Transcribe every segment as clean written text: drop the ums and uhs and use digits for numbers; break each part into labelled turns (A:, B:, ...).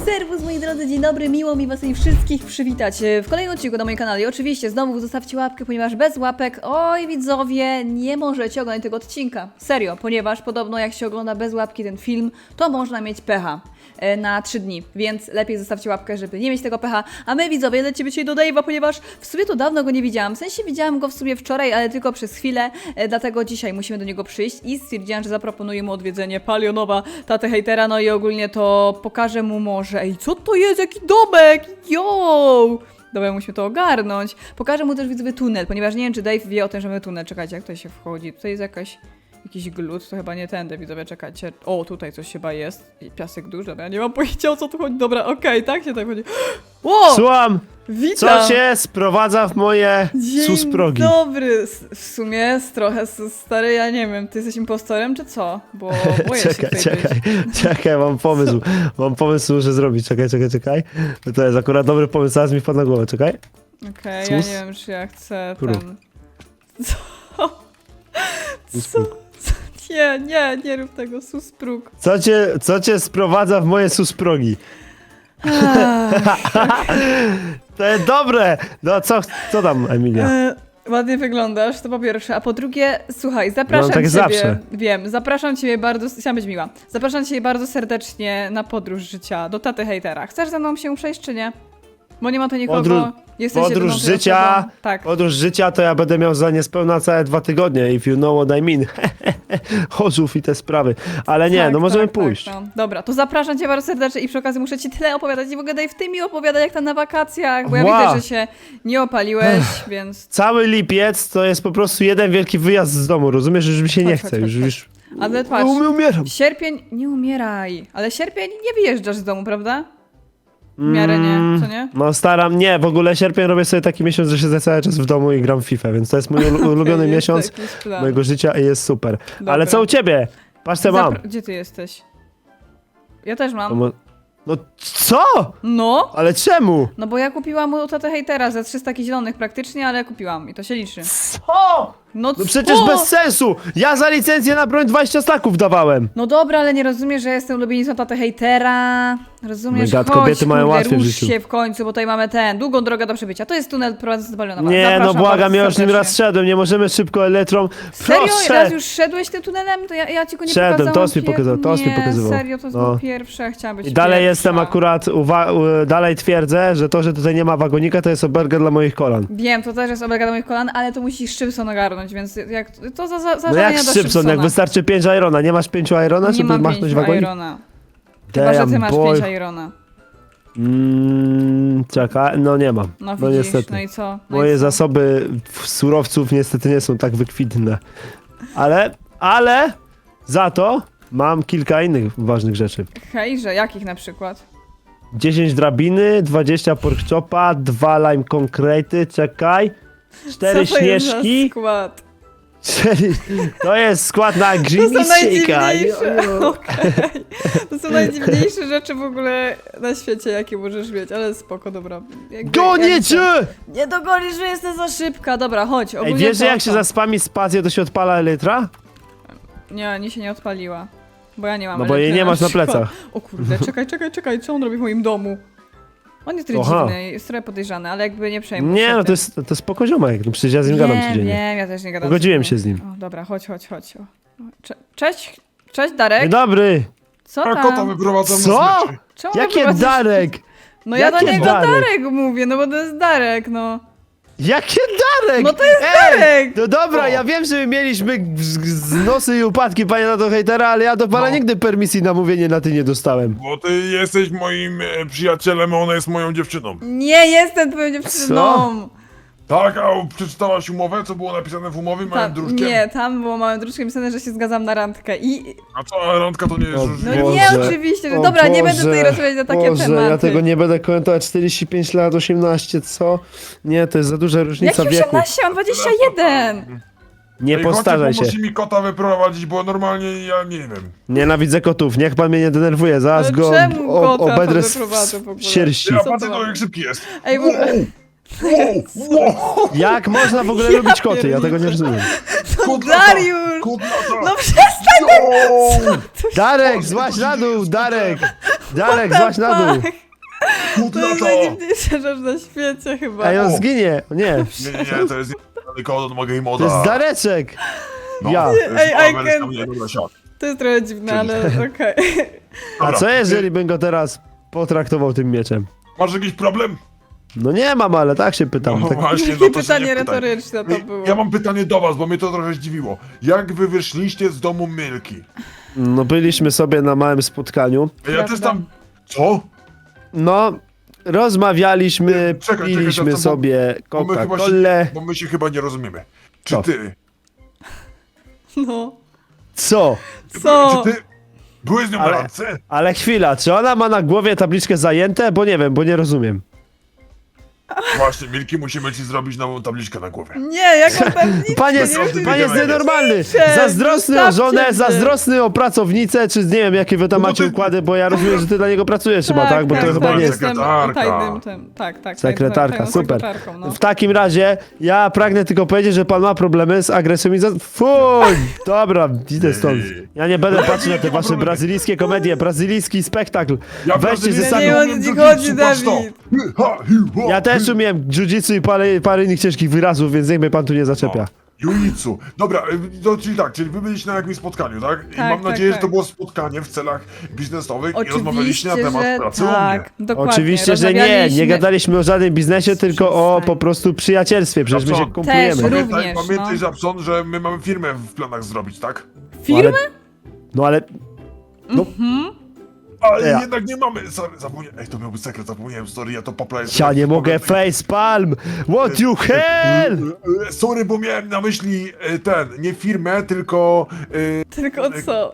A: Serwus moi drodzy, dzień dobry, miło mi was wszystkich przywitać w kolejnym odcinku na moim kanale. I oczywiście znowu zostawcie łapkę, ponieważ bez łapek, oj widzowie, nie możecie oglądać tego odcinka. Serio, ponieważ podobno jak się ogląda bez łapki ten film, to można mieć pecha na 3 dni, więc lepiej zostawcie łapkę, żeby nie mieć tego pecha. A my widzowie lecimy dzisiaj do Dave'a, ponieważ w sumie to dawno go nie widziałam. W sensie widziałam go w sumie wczoraj, ale tylko przez chwilę, dlatego dzisiaj musimy do niego przyjść i stwierdziłam, że zaproponuję mu odwiedzenie Palionowa, tatę hejtera, no i ogólnie to pokażę mu może. Ej, co to jest? Jaki domek? Yo! Dobra, musimy to ogarnąć. Pokażę mu też widzowie tunel, ponieważ nie wiem, czy Dave wie o tym, że mamy tunel. Czekajcie, jak tutaj się wchodzi? Tutaj jest jakiś glut, to chyba nie tędy, widzowie, czekajcie. O, tutaj coś chyba jest. I piasek duży, dobra, ja nie mam pojęcia, o co tu chodzi. Dobra, okej, tak się tak chodzi. Wow!
B: Słucham!
A: Witam!
B: Co się sprowadza w moje susprogi?
A: Dzień dobry! W sumie jest trochę stary, ja nie wiem, ty jesteś impostorem czy co? Bo boję się tutaj być.
B: Czekaj, mam pomysł. Mam pomysł, muszę zrobić. Czekaj. To jest akurat dobry pomysł, zaraz mi wpadł na głowę, czekaj.
A: Okej, ja nie wiem, czy ja chcę
B: Prób.
A: ten... Co? Nie rób tego, susprug.
B: Co cię sprowadza w moje susprogi? To jest dobre! No co tam, Emilia?
A: Ładnie wyglądasz, to po pierwsze, a po drugie, słuchaj, zapraszam
B: tak
A: ciebie,
B: zawsze.
A: wiem, zapraszam ciebie bardzo, chciałam być miła, zapraszam ciebie bardzo serdecznie na podróż życia do taty hejtera. Chcesz ze mną się przejść, czy nie? Bo nie ma tu nikogo, jesteś
B: Podróż
A: jedyną tutaj
B: życia,
A: osobą. Tak.
B: podróż życia to ja będę miał za niespełna całe 2 tygodnie, if you know what I mean. Chorzów i te sprawy. Ale nie,
A: Tak,
B: no możemy
A: tak,
B: pójść.
A: Tak, no. Dobra, to zapraszam cię bardzo serdecznie i przy okazji muszę ci tyle opowiadać i w ogóle daj w tym mi opowiadać jak tam na wakacjach, bo ja
B: Ła.
A: widzę, że się nie opaliłeś, więc...
B: Cały lipiec to jest po prostu jeden wielki wyjazd z domu, rozumiesz? Już mi się nie chce, już
A: Ale patrz,
B: umieram.
A: sierpień, nie umieraj, ale sierpień nie wyjeżdżasz z domu, prawda? W miarę nie, co nie?
B: No nie, w ogóle sierpień robię sobie taki miesiąc, że siedzę cały czas w domu i gram w FIFA, więc to jest mój ulubiony
A: Jest
B: miesiąc
A: jakiś plan.
B: mojego życia i jest super.
A: Dobra.
B: Ale co u ciebie? Patrz co mam.
A: Gdzie ty jesteś? Ja też
B: To
A: mam.
B: No co?
A: No!
B: Ale czemu?
A: No bo ja kupiłam u tatę hejtera za 300 zielonych praktycznie, ale kupiłam i to się liczy.
B: Co?
A: No
B: No przecież
A: co?
B: bez sensu! Ja za licencję na broń 20 staków dawałem!
A: No dobra, ale nie rozumiesz, że jestem ulubienicą tatę hejtera. Rozumiesz?
B: My gad,
A: Chodź,
B: kobiety mają
A: kurde,
B: łatwiej w
A: rusz
B: życiu.
A: się w końcu, bo tutaj mamy długą drogę do przebycia. To jest tunel prowadzący do Balionowa.
B: Nie,
A: Zapraszam
B: no błagam,
A: bardzo
B: ja już nim
A: serdecznie.
B: raz szedłem, nie możemy szybko elektrą.
A: Serio?
B: Proszę!
A: Raz już szedłeś tym tunelem? To ja ci go nie
B: Szedłem,
A: pokazałam.
B: Tos mi pokazał, Tos mi
A: Nie,
B: pokazywał.
A: serio, to jest
B: No.
A: pierwsze, ja chciałam być
B: I dalej
A: pierwsza.
B: jestem akurat, dalej twierdzę, że to, że tutaj nie ma wagonika, to jest oberga dla moich kolan.
A: Wiem, to też jest oblega do moich kolan, ale to musisz Szybson ogarnąć, więc jak to za
B: No jak
A: do
B: Szybson, jak wystarczy 5 Irona, nie masz 5 Irona,
A: Nie
B: żeby
A: mam
B: machnąć
A: 5
B: wagonik?
A: Irona. Chyba, że ty
B: Damn
A: masz
B: boy.
A: 5 Irona.
B: Czekaj, no nie mam.
A: No
B: No
A: widzisz,
B: niestety.
A: no i co? No
B: Moje
A: i co?
B: zasoby surowców niestety nie są tak wykwintne. Ale za to mam kilka innych ważnych rzeczy.
A: Hejże, jakich na przykład?
B: 10 drabiny, 20 porkchopa, 2 lime concrete, czekaj. 4
A: Co to jest za
B: śnieżki.
A: skład?
B: 4... To jest skład na
A: To
B: green
A: są
B: shake'a.
A: najdziwniejsze. Okej. To są najdziwniejsze rzeczy w ogóle na świecie, jakie możesz mieć, ale spoko, dobra.
B: Gonię cię!
A: Nie dogonisz, że jestem za szybka. Dobra, chodź.
B: Ej,
A: ogólnie
B: wiesz, że
A: to
B: jak się
A: co?
B: zaspami spację, to się odpala elytra?
A: Nie się nie odpaliła. Bo ja nie mam
B: No bo jej
A: elektryka
B: nie masz na
A: przykład.
B: plecach.
A: O kurde, czekaj, co on robi w moim domu? On jest trochę
B: Aha.
A: dziwny, jest trochę podejrzany, ale jakby nie przejmuj
B: Nie,
A: się
B: no
A: tym.
B: to jest spoko ziomek, no przecież ja z nim gadam codziennie.
A: Wiem, ja też nie gadam.
B: Pogodziłem
A: codziennie.
B: się z nim.
A: O, dobra, chodź. O. Cześć Darek.
B: Dzień dobry!
A: Co
C: A
A: tam?
C: kota wyprowadzam
B: Co?
C: na smyczy.
A: Czemu
B: Jakie
A: wyprowadzasz-
B: Darek?
A: No ja do
B: Jakie
A: niego
B: Darek?
A: Darek mówię, no bo to jest Darek, no.
B: Jakie Darek?
A: No to jest Darek!
B: No dobra,
C: O.
B: ja wiem, że my mieliśmy z nosy i upadki, panie na to hejtera, ale ja do pana
C: No.
B: nigdy permisji na mówienie na ty nie dostałem.
C: Bo ty jesteś moim przyjacielem, a ona jest moją dziewczyną.
A: Nie jestem twoją dziewczyną.
C: Tak, a przeczytałaś umowę, co było napisane w umowie małym druczkiem?
A: Nie, tam było małym druczkiem napisane, że się zgadzam na randkę i...
C: A co, a randka to nie jest
B: O
C: już...
A: No
B: Boże.
A: nie, oczywiście, że dobra, nie będę tutaj rozmawiać na takie
B: Boże,
A: tematy.
B: ja tego nie będę komentować. 45 lat, 18, co? Nie, to jest za duża różnica
A: Jaki
B: wieku.
A: 18? Mam 21!
B: Nie
C: Ej,
B: postarzaj
C: chodźcie,
B: się.
C: pomóż mi kota wyprowadzić, bo normalnie ja nie wiem.
B: Nienawidzę kotów, niech pan mnie nie denerwuje, zaraz
A: Ale
B: go
A: czemu kota
B: obedrę
A: to wyprowadzę w ogóle?
B: sierści.
C: Ja
A: Co
C: patrzę,
A: to
C: to
A: ma?
C: jak szybki jest.
A: Ej, w ogóle...
B: Jak można w ogóle
A: Ja
B: lubić koty? Ja tego nie
A: pierniczę.
B: rozumiem.
C: Kod
A: Dariusz!
C: Kod lata.
A: No przestań
B: Darek, złaź na dół, Darek! Darek, złaź na dół!
A: To jest najdziwniejsza rzecz na świecie chyba.
B: Ej, on zginie! Nie,
C: Nie, to jest Kodon Mogę
B: to
C: Moda.
B: jest Dareczek!
C: No,
B: Ja.
C: to jest
A: Ej,
C: nowa
A: I
C: wersja
A: can-
C: mnie, dobra, siad.
A: To jest trochę dziwne, ale okej.
B: A
C: Dobra,
B: co jeżeli bym go teraz potraktował tym mieczem?
C: Masz jakiś problem?
B: No nie mam, ale tak się pytam.
C: No
B: Tak...
C: właśnie,
A: Jakie
C: no to się
A: pytanie
C: nie pytaj.
A: retoryczne to było.
C: Ja mam pytanie do was, bo mnie to trochę zdziwiło. Jak wy wyszliście z domu Milki?
B: No byliśmy sobie na małym spotkaniu.
C: Ja
A: Prawda.
C: też tam... Co?
B: No, rozmawialiśmy,
C: Czekaj,
B: piliśmy
C: czekaj, to-
B: sobie
C: Bo my, chyba
B: Coca-Colę.
C: się, bo my się chyba nie rozumiemy. Czy
B: Co?
C: ty...
A: No.
B: Co?
A: Co?
C: Czy ty... Byłeś z nią na
B: Ale-
C: randce?
B: Ale chwila, czy ona ma na głowie tabliczkę zajęte? Bo nie wiem, bo nie rozumiem.
C: Właśnie, Milki, musimy ci zrobić nową tabliczkę na głowie.
A: Nie, jaką pewnicę?
B: Pan jest,
C: nie wiem,
B: pan jest
C: nie wiem.
B: nienormalny!
A: Proszę,
B: Zazdrosny o
A: zostawcie
B: żonę,
A: mnie.
B: zazdrosny o pracownicę, czy nie wiem, jakie wy tam
C: No bo
B: macie
C: ty-
B: układy, bo ja rozumiem, że ty dla niego pracujesz chyba, tak? Bo to
A: tak,
B: chyba
A: tak,
B: nie jest...
A: jestem
C: Sekretarka.
A: tajnym tym, tak.
B: Sekretarka,
A: tajną
B: super.
A: sekretarką, no.
B: W takim razie, ja pragnę tylko powiedzieć, że pan ma problemy z agresją i Fuj! Dobra, idę stąd. Ja nie będę patrzył na te wasze brazylijskie komedie, brazylijski spektakl. Weźcie ze
A: Ja
B: sami.
A: nie
C: sami.
A: wiem, o co ci chodzi, Dawid.
B: Ja też umiem jiu-jitsu i parę innych ciężkich wyrazów, więc niech mnie pan tu nie zaczepia.
C: Juicu. Dobra, czyli tak, czyli wy byliście na jakimś spotkaniu, tak? I
A: Tak,
C: mam
A: tak,
C: nadzieję,
A: tak.
C: że to było spotkanie w celach biznesowych i rozmawialiście
A: Oczywiście,
C: na temat
A: że
C: pracy u mnie.
A: tak. Dokładnie.
B: Oczywiście, że nie, nie
A: rozmawialiśmy.
B: gadaliśmy o żadnym biznesie, tylko o
A: Przestań.
B: po prostu przyjacielstwie, przecież my się
C: Dobrze.
B: kumplujemy.
A: Też.
C: Pamiętaj,
A: Również,
C: pamiętaj
A: no.
C: Żabson, że my mamy firmę w planach zrobić, tak?
A: Firmę?
B: No ale... No,
C: Ale
B: Ja.
C: jednak nie mamy. Sorry, zapomniałem. Ej, to miałby sekret, zapomniałem, sorry, ja to paplaję.
B: ja nie mogę facepalm! What you hell!
C: Sorry, bo miałem na myśli nie firmę, tylko...
A: Tylko co?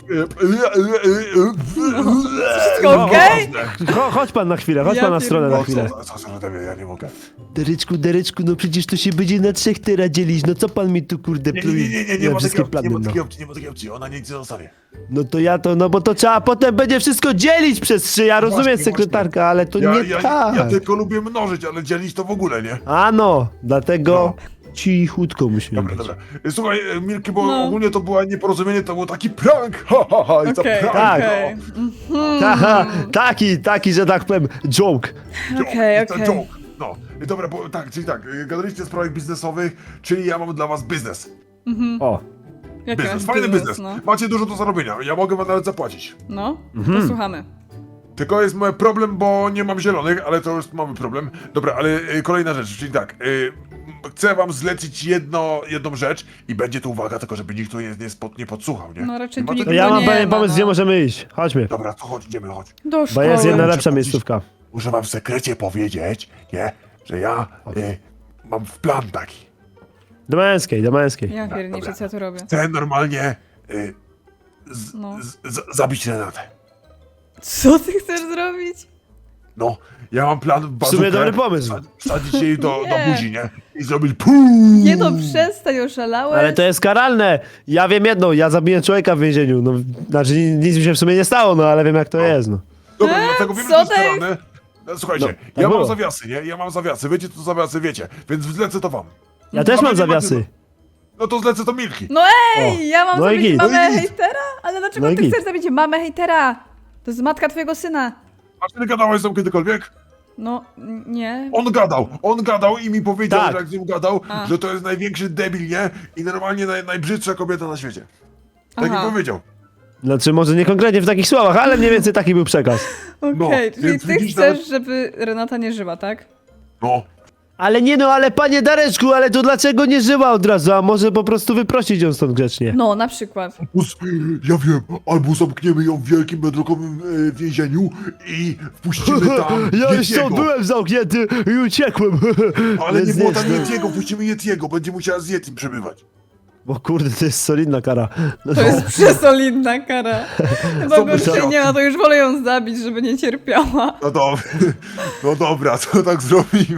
C: Wszystko
A: No, okej?
B: Chodź pan na chwilę, chodź
A: Ja
B: pan na stronę na
A: pierdolę.
B: chwilę.
C: Co, ja nie mogę.
B: Dereczku, no przecież to się będzie na 3 teraz dzielić, no co pan mi tu kurde
C: Nie
B: pluje
C: ma
B: wszystkie
C: takiej
B: plany,
C: opcji,
B: no.
C: nie ma takiej opcji, ona nic nie zostanie.
B: No to ja to, no bo to trzeba potem będzie wszystko dzielić przez 3, ja rozumiem
C: Właśnie,
B: sekretarka, ale to nie tak.
C: Ja tylko lubię mnożyć, ale dzielić to w ogóle, nie?
B: Ano, dlatego cichutko musimy
C: Dobra,
B: być.
C: dobra. Słuchaj, Milki, bo
A: No.
C: ogólnie to było nieporozumienie, to był taki prank, ha, ha, ha, i to
A: Okej,
C: prank,
B: Tak.
A: okej.
B: Haha, taki, że tak powiem, joke.
C: no.
A: Okej,
C: To
A: okej.
C: joke. No, i dobra, bo tak, czyli tak, gadaliście o sprawach biznesowych, czyli ja mam dla was biznes.
B: O,
A: Jaki
C: Biznes,
A: masz
C: fajny biznes.
A: No,
C: Macie dużo do zarobienia, ja mogę wam nawet zapłacić.
A: no posłuchamy.
C: Tylko jest mój problem, bo nie mam zielonych, ale to już mamy problem. Dobra, ale kolejna rzecz, czyli tak, chcę wam zlecić jedną rzecz i będzie to uwaga, tylko żeby nikt tu nie podsłuchał, nie?
A: No, raczej
C: Nie
A: tu
C: ma
A: nikt
B: to
C: tego-
B: ja
A: No
B: mam
A: nie
B: pewien
A: ma,
B: pomysł,
A: no.
B: gdzie możemy iść. Chodźmy.
C: Dobra, to chodź, idziemy, chodź.
A: Do
B: Bo
A: szkoły.
B: jest jedna
C: Muszę
B: lepsza
C: powiedzieć-
B: miejscówka.
C: Muszę wam w sekrecie powiedzieć, nie? Że ja mam plan taki.
B: Do męskiej.
A: Ja pierniczę,
C: Dobra.
A: co ja tu robię.
C: Chcę normalnie
A: No.
C: zabić Renatę.
A: Co ty chcesz zrobić?
C: No, ja mam plan w
B: W sumie
C: bazukę,
B: dobry pomysł.
C: Wsadzić jej do
A: Nie.
C: buzi, nie? I zrobić PUUU!
A: Nie no, przestań, oszalałeś.
B: Ale to jest karalne. Ja wiem jedno, ja zabiję człowieka w więzieniu. No, znaczy nic mi się w sumie nie stało, no ale wiem jak to jest, no.
C: Dobra, dlatego wiem, że
A: co
C: to jest
A: to jest?
C: karane. Słuchajcie,
B: No, tak
C: ja mam
B: było.
C: zawiasy, nie? Ja mam zawiasy, wiecie co to zawiasy, wiecie. Więc zlecę to wam.
B: Ja też
C: A wy
B: mam
C: nie macie-
B: zawiasy.
C: No to zlecę to Milki.
A: No ej,
B: O.
A: ja mam
B: No i
A: zabić
B: git.
A: mamę
C: No i git.
A: hejtera? Ale dlaczego
B: No i
A: ty
B: git.
A: chcesz zabić mamę hejtera? To jest matka twojego syna.
C: A ty gadałeś z nią kiedykolwiek?
A: No, nie.
C: On gadał i mi powiedział,
B: Tak.
C: że jak z nim gadał,
A: A.
C: że to jest największy debil, nie? I normalnie najbrzydsza kobieta na świecie. Tak mi
A: Aha.
C: powiedział.
B: Znaczy może nie konkretnie w takich słowach, ale mniej więcej taki był przekaz.
A: Okej,
C: No,
A: czyli
C: więc
A: ty
C: widzisz,
A: chcesz,
C: nawet-
A: żeby Renata nie żyła, tak?
C: No.
B: Ale nie no, ale panie Dareczku, ale to dlaczego nie żyła od razu? A może po prostu wyprosić ją stąd grzecznie?
A: No, na przykład.
C: Ja wiem, albo zamkniemy ją w wielkim bedrockowym więzieniu i wpuścimy tam
B: Ja już
C: Yetiego.
B: tam byłem zamknięty i uciekłem.
C: Ale nie
B: Więc
C: było tam
B: no.
C: Yetiego, wpuścimy Yetiego, będzie musiała z Yetim przebywać.
B: Bo kurde, to jest solidna kara. No,
A: To jest przesolidna kara. Chyba
C: Co
A: gorszej
C: myślał?
A: nie ma, to już wolę ją zabić, żeby nie cierpiała.
C: No dobra, to tak zrobimy.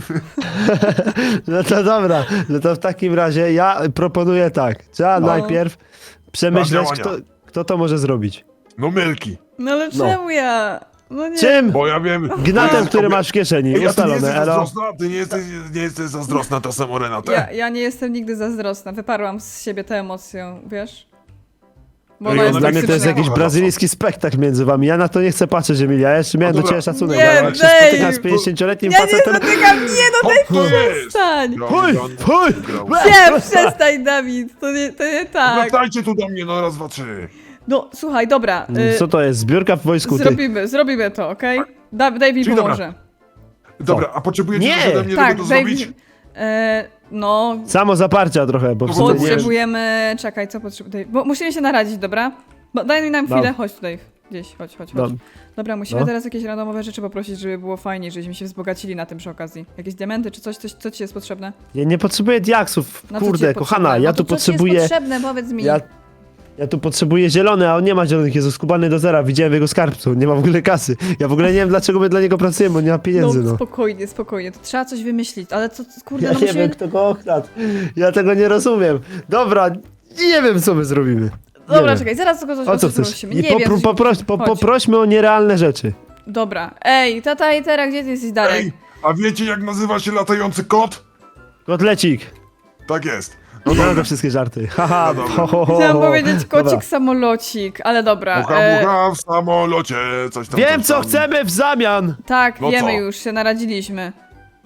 B: no to dobra, no to w takim razie ja proponuję tak. Trzeba
A: No.
B: najpierw przemyśleć,
C: Plan działania.
B: kto to może zrobić.
C: No Milki,
A: No ale
B: No.
A: czemu ja? No nie.
B: Czym?
C: bo ja wiem...
B: Gnatem, który masz w kieszeni.
C: Ej, a ty nie
B: Ustalone,
C: jesteś
B: elo.
C: zazdrosna? Ty nie jesteś zazdrosna czasem o Renatę?
A: Ja nie jestem nigdy zazdrosna. Wyparłam z siebie tę emocję, wiesz? Bo
C: Ej,
A: ona
C: ona
A: jest
B: Dla mnie to jest
A: toksyczna.
B: jakiś brazylijski spektakl między wami. Ja na to nie chcę patrzeć, Emilia. Ja jeszcze miałem do
C: Dobra.
B: ciebie szacunek,
A: Nie,
B: ale jak się
A: Dave.
B: spotykam z 50-letnim
A: Ja nie
B: facetem...
A: spotykam, nie no
C: To jest!
A: przestań!
B: Fuj, fuj!
A: Nie, przestań Dawid, to nie tak.
C: Wracajcie tu do mnie, no raz, dwa, trzy.
A: No słuchaj, dobra,
B: Co to jest? Zbiórka w wojsku, ty.
A: zrobimy to, okej? Dave mi
C: Czyli dobra.
A: pomoże.
C: Dobra, a potrzebujecie
B: Nie!
C: coś ode mnie,
A: Tak,
C: żeby to
A: Dave,
C: zrobić?
A: no,
B: Samo zaparcia trochę, bo w sumie nie...
A: potrzebujemy, czekaj, co potrzebujemy, bo musimy się naradzić, dobra? Daj mi nam chwilę,
B: Dobra.
A: chodź tutaj, gdzieś, chodź.
B: Dobra.
A: Dobra, musimy
B: No.
A: teraz jakieś randomowe rzeczy poprosić, żeby było fajnie, żebyśmy się wzbogacili na tym przy okazji. Jakieś diamenty czy coś, co ci jest potrzebne?
B: Ja nie potrzebuję diaksów,
A: No, co ci
B: kurde,
A: jest
B: kochana,
A: potrzebne?
B: ja
A: No
B: tu
A: to co ci
B: potrzebuję...
A: jest potrzebne, powiedz mi.
B: Ja tu potrzebuję zielony, a on nie ma zielonych, jest skubany do zera, widziałem jego skarbcu, nie ma w ogóle kasy. Ja w ogóle nie wiem, dlaczego my dla niego pracujemy, bo nie ma pieniędzy, no.
A: Spokojnie, to trzeba coś wymyślić, ale co, kurde,
B: Ja
A: no
B: nie
A: musimy...
B: wiem, kto go okradł. Ja tego nie rozumiem. Dobra, nie wiem, co my zrobimy. Nie
A: Dobra,
B: wiem.
A: czekaj, zaraz tylko
B: O co chcesz?
A: prosimy.
B: I
A: Nie wiem, chodź.
B: poprośmy o nierealne rzeczy.
A: Dobra, ej, tata i teraz gdzie ty jesteś, Darek?
C: Ej, a wiecie jak nazywa się latający kot?
B: Kotlecik.
C: Tak jest.
B: No te wszystkie żarty. Haha,
C: No dobra.
B: ho, ho, ho,
A: Chciałam
B: ho.
A: powiedzieć kocik
B: Dobra.
A: samolocik, ale dobra.
C: Mucha, mucha w samolocie, coś tam.
B: Wiem,
C: coś
B: co
C: tam.
B: chcemy w zamian.
A: Tak,
C: No
A: wiemy
C: co?
A: już, się naradziliśmy.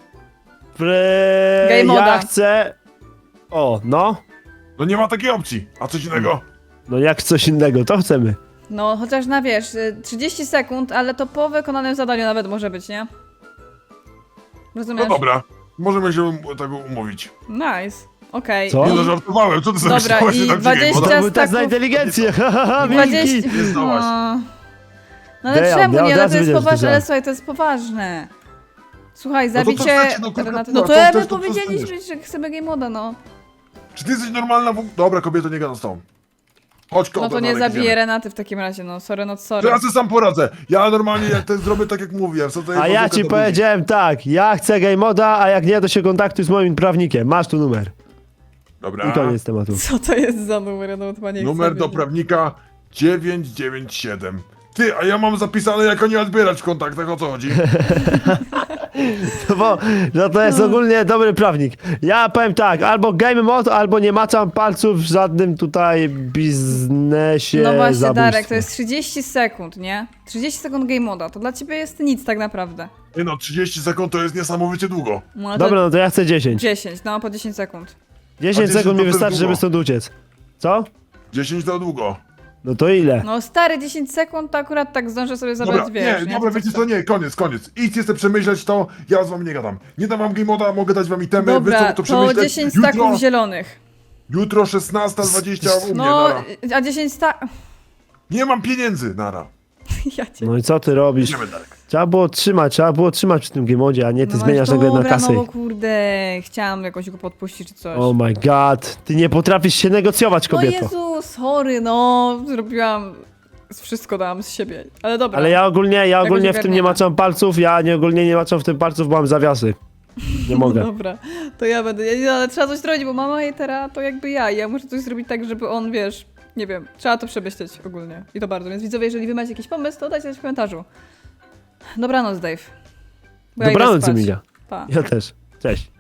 B: Ja
A: moda.
B: chcę... O, no.
C: No nie ma takiej opcji. A coś innego?
B: No jak coś innego, to chcemy.
A: No, chociaż na wiesz, 30 sekund, ale to po wykonanym zadaniu nawet może być, nie?
C: No
A: Rozumiesz?
C: dobra. Możemy się tego umówić.
A: Nice, okej.
B: Co?
C: Nie
A: I-
C: no, żartowałem. Co ty sobie
A: Dobra,
C: myślałaś,
A: i
C: że tak
A: 20
C: biegnie?
B: To był test na
A: staków-
B: inteligencję, haha,
A: 20...
B: Milki.
C: Nie zdałaś.
A: No ale
B: Damn,
A: czemu
B: ja
A: nie?
B: od
A: Ale
B: razu
A: to jest
B: wiedziałem, że to
A: poważne, ale
B: żart.
A: słuchaj, to jest poważne. Słuchaj,
C: No to
A: zabicie...
C: przestańcie, no, kurwa,
A: Renaty...
C: no,
A: No to
C: to
A: my
C: też to
A: powiedzieliśmy, że chcemy game moda, no.
C: Czy ty jesteś normalna? Dobra, kobieto, nie gadam z tą. Chodź,
A: No
C: kobieta,
A: to nie
C: Darek,
A: zabiję
C: idziemy.
A: Renaty w takim razie, no sorry, not
C: To
A: sorry.
C: ja sobie sam poradzę. Ja normalnie jak to zrobię tak jak mówiłem. Co to jest
B: A ja
C: bazooka
B: ci
C: do
B: powiedziałem tak, ja chcę game moda, a jak nie, to się kontaktuj z moim prawnikiem. Masz tu numer.
C: ludzi. Dobra.
B: I koniec tematu.
A: Co to jest za numer? Ja nawet chyba nie chcę
C: Numer do
A: wiedzieć.
C: prawnika 997. Ty, a ja mam zapisane jako nie odbierać w kontaktach, o co chodzi?
B: No bo no to jest ogólnie dobry prawnik. Ja powiem tak, albo game mod, albo nie maczam palców w żadnym tutaj biznesie
A: No właśnie,
B: zabójstwa.
A: Darek, to jest 30 sekund, nie? 30 sekund game moda, to dla ciebie jest nic tak naprawdę.
C: Nie no, 30 sekund to jest niesamowicie długo.
A: No, to
B: Dobra, no to ja chcę 10.
A: 10, no po 10 sekund.
B: 10
C: 10
B: sekund
C: to
B: mi
C: też
B: wystarczy,
C: długo.
B: żeby stąd uciec. Co?
C: 10 to długo.
B: No to ile?
A: No stary, 10 sekund to akurat tak zdążę sobie zabrać,
C: Dobra,
A: wiesz,
C: nie, dobra, wiecie co, nie, koniec. Idźcie sobie przemyśleć to, ja z wami nie gadam. Nie dam wam game moda, mogę dać wam itemy, wy
A: Dobra,
C: sobie to
A: to
C: przemyśleć.
A: 10 staków zielonych.
C: Jutro 16:20 u mnie,
A: No,
C: nara.
A: a 10
C: Nie mam pieniędzy, nara.
A: Ja cię...
B: No i co ty robisz?
C: Idziemy, Darek.
B: Trzeba było trzymać przy tym game modzie, a nie ty
A: No
B: zmieniasz nagle na
A: dobra,
B: kasę.
A: no bo kurde, chciałam jakoś go podpuścić czy coś.
B: Oh my god, ty nie potrafisz się negocjować,
A: No
B: kobieto.
A: Jezu, sorry, no, zrobiłam... Wszystko dałam z siebie, ale dobra.
B: Ale ja ogólnie w tym nie
A: ogarniemy.
B: maczam palców, ogólnie nie maczam w tym palców, bo mam zawiasy. Nie mogę.
A: Dobra, to ja będę, nie, ale trzeba coś zrobić, bo mama hejtera to jakby ja muszę coś zrobić tak, żeby on, wiesz, nie wiem, trzeba to przemyśleć ogólnie i to bardzo, więc widzowie, jeżeli wy macie jakiś pomysł, to dajcie znać w komentarzu. Dobranoc, Dave. Bo ja idę
B: Dobranoc,
A: spać.
B: Emilia.
A: Pa.
B: Ja też. Cześć.